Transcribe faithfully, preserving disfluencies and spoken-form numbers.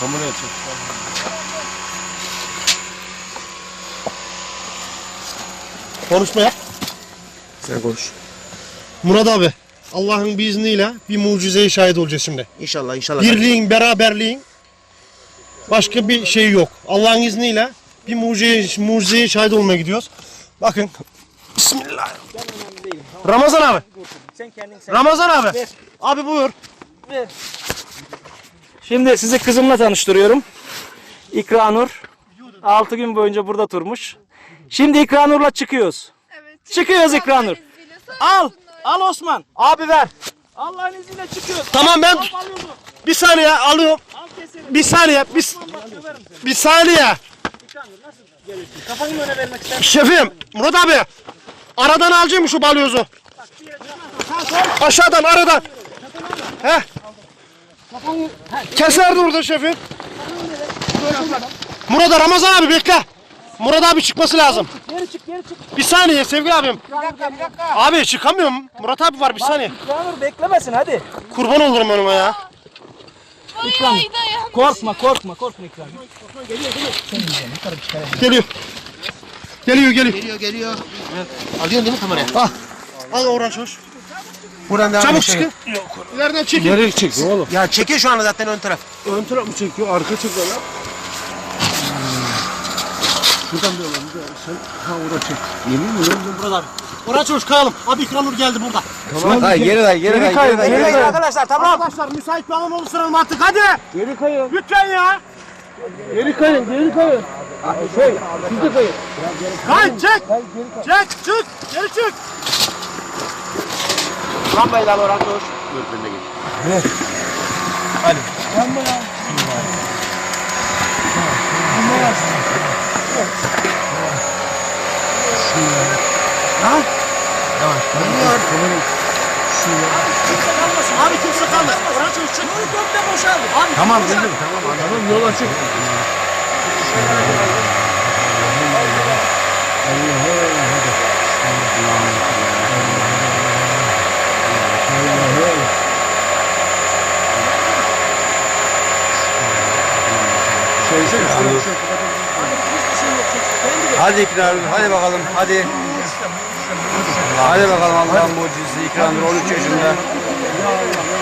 Kameraya çek. Konuşma yap. Sen konuş. Murat abi, Allah'ın bir izniyle bir mucizeye şahit olacağız şimdi. İnşallah inşallah. Birliğin, beraberliğin başka bir şey yok. Allah'ın izniyle bir mucizeye, mucizeye şahit olmaya gidiyoruz. Bakın. Bismillah. Ramazan abi. Sen kendin sen. Ramazan abi. Ver. Abi buyur. Ver. Şimdi sizi kızımla tanıştırıyorum. İkranur. altı gün boyunca burada durmuş. Şimdi İkranur'la çıkıyoruz. Evet. Çıkıyoruz İkranur. Al. Al Osman. Abi ver. Allah'ın izniyle çıkıyoruz. Tamam ben Al alıyordu. bir saniye alıyorum. Al keselim. Bir saniye. Bir, Bak döverim seni. bir saniye. İkranur nasıl geliyorsun? Kafanı öne vermek ister misin? Şefim, Murat abi. Aradan alacağım şu balyozu. Bak bir yere çıkmazsan. Aşağıdan, aradan. Heh. Kafanı. Ha, Keser durdu şefim. Murat Ramazan abi bekle. Murat abi çıkması lazım. geri çık geri çık. Bir saniye sevgili abim. Bir dakika bir dakika. Abi çıkamıyorum. Murat abi var bir saniye. İkranur beklemesin hadi. Kurban olurum önüme ya. İkranur. Korkma korkma korkma İkranur. Geliyor. Geliyor geliyor. Geliyor geliyor. Alıyorsun değil mi kamerayı? Ah. Al uğraş hoş. Buradan devam Çabuk edelim. çıkın. İleriden çekin. Nereye çekiyor oğlum? Ya çekiyor şu anda zaten ön taraf. Ön taraf mı çekiyor? Arka çekiyor lan. Şuradan bir alalım. Sen ha orada çek. Yemin mi lan? Murat abi. Uğraş hoş kayalım. Abi İkranur geldi burada. Tamam. Hayır geri ver geri ver. Geri ver. Geri kayın. Arkadaşlar tamam. Arkadaşlar müsait bir alan oluşturalım artık hadi. Geri kayın. Lütfen ya. Geri kayın. Geri kayın. Şey, siz de kayın. Kay çek. Çek çık. Geri çık. Lambayı da al Orhan koş. Önüne geç. Hadi. Lan. Kimse kalmasın. Abi kimse kalmasın. Uğraş hoş çık. Komple boşaldı. Abi Tamam kimse- dedim tamam. Tamam yol açık. Hadi ikram, hadi bakalım, hadi. Hadi bakalım Allah'ın mucizesi ikramdır on üç yaşında.